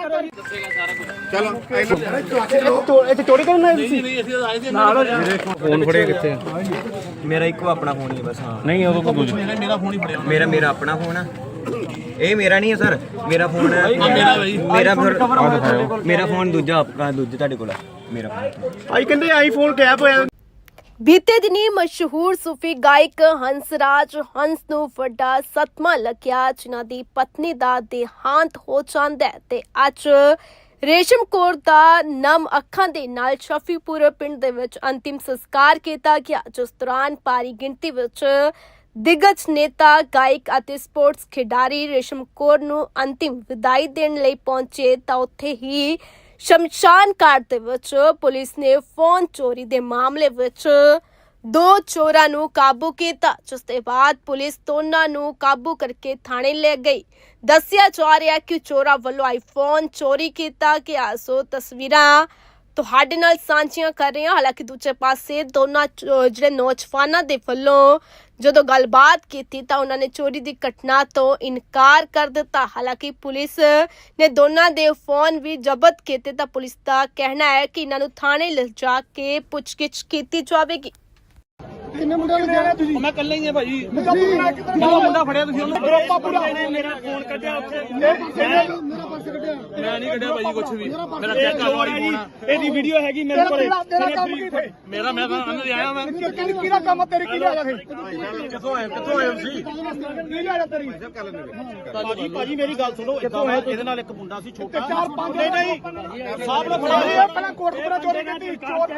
D: ਇੱਥੇ ਚੋਰੀ ਕਰਨ ਆਏ ਤੁਸੀਂ
C: ਨਹੀਂ ਅਸੀਂ ਆਏ ਸੀ
D: ਫੋਨ ਫੜੇ ਕਿੱਥੇ ਆ?
E: ਮੇਰਾ ਇੱਕੋ ਆਪਣਾ ਫੋਨ ਹੀ ਹੈ ਬਸ। ਹਾਂ
D: ਨਹੀਂ ਉਦੋਂ ਕੋਈ ਦੂਜਾ
C: ਮੇਰਾ ਫੋਨ ਹੀ ਫੜਿਆ
E: ਮੇਰਾ ਆਪਣਾ ਫੋਨ ਆ। ਇਹ ਮੇਰਾ ਨਹੀਂ ਹੈ ਸਰ, ਮੇਰਾ ਫੋਨ
C: ਮੇਰਾ ਬਈ।
E: ਮੇਰਾ ਫਿਰ ਮੇਰਾ ਫੋਨ ਦੂਜਾ ਆਪਣਾ ਦੂਜੇ ਤੁਹਾਡੇ ਕੋਲ ਆ। ਮੇਰਾ ਫੋਨ
D: ਆਈ ਕਹਿੰਦੇ ਆਈਫੋਨ ਗਾਇਬ ਹੋਇਆ।
A: ਬੀਤੇ ਦਿਨੀ ਮਸ਼ਹੂਰ ਸੂਫੀ ਗਾਇਕ ਹੰਸਰਾਜ ਹੰਸ ਨੂੰ ਵੱਡਾ ਸਦਮਾ ਲੱਗਿਆ, ਜਿਨ੍ਹਾਂ ਦੀ ਪਤਨੀ ਦਾ ਦੇਹਾਂਤ ਹੋ ਜਾਂਦਾ ਹੈ ਤੇ ਅੱਜ ਰੇਸ਼ਮ ਕੌਰ ਦਾ ਨਮ ਅੱਖਾਂ ਦੇ ਨਾਲ ਸ਼ਫੀਪੁਰ ਪਿੰਡ ਦੇ ਵਿੱਚ ਅੰਤਿਮ ਸੰਸਕਾਰ ਕੀਤਾ ਗਿਆ, ਜਿਸ ਦੌਰਾਨ ਭਾਰੀ ਗਿਣਤੀ ਵਿੱਚ ਦਿਗਜ ਨੇਤਾ, ਗਾਇਕ ਅਤੇ ਸਪੋਰਟਸ ਖਿਡਾਰੀ ਰੇਸ਼ਮ ਕੌਰ ਨੂੰ ਅੰਤਿਮ ਵਿਦਾਈ ਦੇਣ ਲਈ ਪਹੁੰਚੇ ਤਾਂ ਉੱਥੇ ਹੀ ਸ਼ਮਸ਼ਾਨ ਘਾਟ ਦੇ ਵਿੱਚ ਪੁਲਿਸ ਨੇ ਫੋਨ ਚੋਰੀ ਦੇ ਮਾਮਲੇ ਵਿੱਚ 2 ਚੋਰਾਂ ਨੂੰ ਕਾਬੂ ਕੀਤਾ, ਜਿਸ ਦੇ ਬਾਅਦ ਪੁਲਿਸ ਦੋਨਾਂ ਨੂੰ ਕਾਬੂ ਕਰਕੇ ਥਾਣੇ ਲੈ ਗਈ। ਦੱਸਿਆ ਜਾ ਰਿਹਾ ਕਿ ਚੋਰਾਂ ਵੱਲੋਂ ਆਈਫੋਨ ਚੋਰੀ ਕੀਤਾ ਗਿਆ। ਸੋ ਤਸਵੀਰਾਂ ਤੁਹਾਡੇ ਨਾਲ ਸਾਂਝੀਆਂ ਕਰ ਰਹੇ ਹਾਂ। ਹਾਲਾਂਕਿ ਦੂਜੇ ਪਾਸੇ ਦੋਨਾਂ ਜਿਹੜੇ ਨੌਜਵਾਨਾਂ ਦੇ ਵੱਲੋਂ ਜਦੋਂ ਗੱਲਬਾਤ ਕੀਤੀ ਤਾਂ ਉਹਨਾਂ ਨੇ ਚੋਰੀ ਦੀ ਘਟਨਾ ਤੋਂ ਇਨਕਾਰ ਕਰ ਦਿੱਤਾ। ਹਾਲਾਂਕਿ ਪੁਲਿਸ ਨੇ ਦੋਨਾਂ ਦੇ ਫੋਨ ਵੀ ਜ਼ਬਤ ਕੀਤੇ ਤਾਂ ਪੁਲਿਸ ਦਾ ਕਹਿਣਾ ਹੈ ਕਿ ਇਹਨਾਂ ਨੂੰ ਥਾਣੇ ਲਿਜਾ ਕੇ ਪੁੱਛਗਿੱਛ ਕੀਤੀ ਜਾਵੇਗੀ।
B: ਕਿੰਨੇ ਮੁੰਡੇ ਲੈ ਆਏ ਤੁਸੀਂ
C: ਮੈਂ ਇਕੱਲਾ ਹੀ ਆ ਭਾਜੀ
B: ਮੇਰਾ
C: ਮੁੰਡਾ ਫੜਿਆ ਤੁਸੀਂ ਉਹਨੂੰ
B: ਗਰੋਪਾ ਪੂਰਾ
C: ਮੇਰਾ ਫੋਨ ਕੱਢਿਆ ਉੱਥੇ
B: ਮੇਰਾ ਪਰਸ ਕੱਢਿਆ
C: ਮੈਂ ਨਹੀਂ ਕੱਢਿਆ ਭਾਜੀ ਕੁਝ ਵੀ ਮੇਰਾ ਚੈੱਕ ਕਰ ਵਾਲੀ ਫੋਨ ਆ ਇਹਦੀ ਵੀਡੀਓ ਹੈਗੀ ਮੇਰੇ ਕੋਲੇ
B: ਤੇਰਾ ਕੰਮ ਕੀ ਥੇ
C: ਮੇਰਾ ਮੈਂ ਅੰਦਰ ਆਇਆ ਮੈਂ
B: ਕਿਹਦਾ ਕੰਮ ਤੇਰੇ ਕੀ ਲਿਆ ਥੇ
C: ਕਿੱਥੋਂ ਆਏ ਤੁਸੀਂ
B: ਕੀ ਲਿਆ ਤੇਰੀ
C: ਭਾਜੀ ਮੇਰੀ ਗੱਲ ਸੁਣੋ ਇਹਦੇ ਨਾਲ ਇੱਕ ਮੁੰਡਾ ਸੀ ਛੋਟਾ
B: ਚਾਰ ਪੰਜ
C: ਨਹੀਂ ਸਾਹਿਬ ਨੇ ਫੜਿਆ
B: ਪਹਿਲਾਂ ਕੋਟਪੁਰਾ ਚੋਰੀ ਕੀਤੀ ਚੋਰ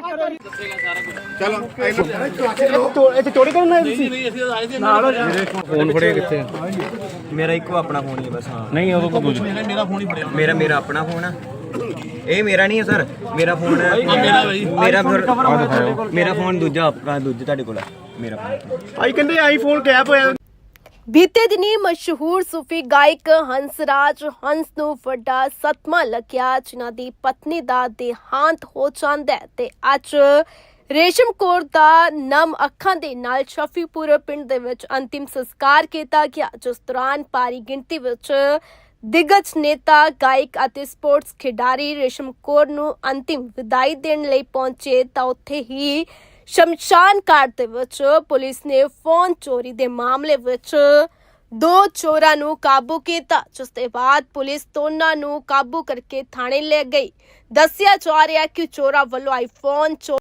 D: ਇੱਥੇ ਚੋਰੀ ਕਰਨ ਆਏ ਤੁਸੀਂ
C: ਨਹੀਂ ਅਸੀਂ ਆਏ ਸੀ
D: ਫੋਨ ਫੜੇ ਕਿੱਥੇ ਆ?
E: ਮੇਰਾ ਇੱਕੋ ਆਪਣਾ ਫੋਨ ਹੀ ਹੈ ਬਸ। ਹਾਂ
D: ਨਹੀਂ ਉਦੋਂ ਕੋਈ ਦੂਜਾ
C: ਮੇਰਾ ਫੋਨ ਹੀ ਫੜਿਆ
E: ਮੇਰਾ ਆਪਣਾ ਫੋਨ ਆ। ਇਹ ਮੇਰਾ ਨਹੀਂ ਹੈ ਸਰ, ਮੇਰਾ ਫੋਨ
C: ਮੇਰਾ ਬਈ।
E: ਮੇਰਾ ਫਿਰ ਮੇਰਾ ਫੋਨ ਦੂਜਾ ਆਪਣਾ ਦੂਜੇ ਤੁਹਾਡੇ ਕੋਲ ਆ। ਮੇਰਾ ਫੋਨ
D: ਆਈ ਕਹਿੰਦੇ ਆਈਫੋਨ ਗਾਇਬ ਹੋਇਆ।
A: ਬੀਤੇ ਦਿਨੀ ਮਸ਼ਹੂਰ ਸੂਫੀ ਗਾਇਕ ਹੰਸਰਾਜ ਹੰਸ ਨੂੰ ਵੱਡਾ ਸਦਮਾ ਲੱਗਿਆ, ਜਿਨ੍ਹਾਂ ਦੀ ਪਤਨੀ ਦਾ ਦੇਹਾਂਤ ਹੋ ਜਾਂਦਾ ਹੈ ਤੇ ਅੱਜ ਰੇਸ਼ਮ ਕੌਰ ਦਾ ਨਮ ਅੱਖਾਂ ਦੇ ਨਾਲ ਸ਼ਫੀਪੁਰ ਪਿੰਡ ਦੇ ਵਿੱਚ ਅੰਤਿਮ ਸੰਸਕਾਰ ਕੀਤਾ ਗਿਆ, ਜਿਸ ਦੌਰਾਨ ਭਾਰੀ ਗਿਣਤੀ ਵਿੱਚ ਦਿੱਗਜ ਨੇਤਾ, ਗਾਇਕ ਅਤੇ ਸਪੋਰਟਸ ਖਿਡਾਰੀ ਰੇਸ਼ਮ ਕੌਰ ਨੂੰ ਅੰਤਿਮ ਵਿਦਾਈ ਦੇਣ ਲਈ ਪਹੁੰਚੇ ਤਾਂ ਉੱਥੇ ਹੀ ਸ਼ਮਸ਼ਾਨ ਘਾਟ ਦੇ ਵਿੱਚ ਪੁਲਿਸ ਨੇ ਫੋਨ ਚੋਰੀ ਦੇ ਮਾਮਲੇ ਵਿੱਚ 2 ਚੋਰਾਂ ਨੂੰ ਕਾਬੂ ਕੀਤਾ, ਜਿਸ ਦੇ ਬਾਅਦ ਪੁਲਿਸ ਦੋਨਾਂ ਨੂੰ ਕਾਬੂ ਕਰਕੇ ਥਾਣੇ ਲੈ ਗਈ। ਦੱਸਿਆ ਜਾ ਰਿਹਾ ਕਿ ਚੋਰਾਂ ਵੱਲੋਂ ਆਈਫੋਨ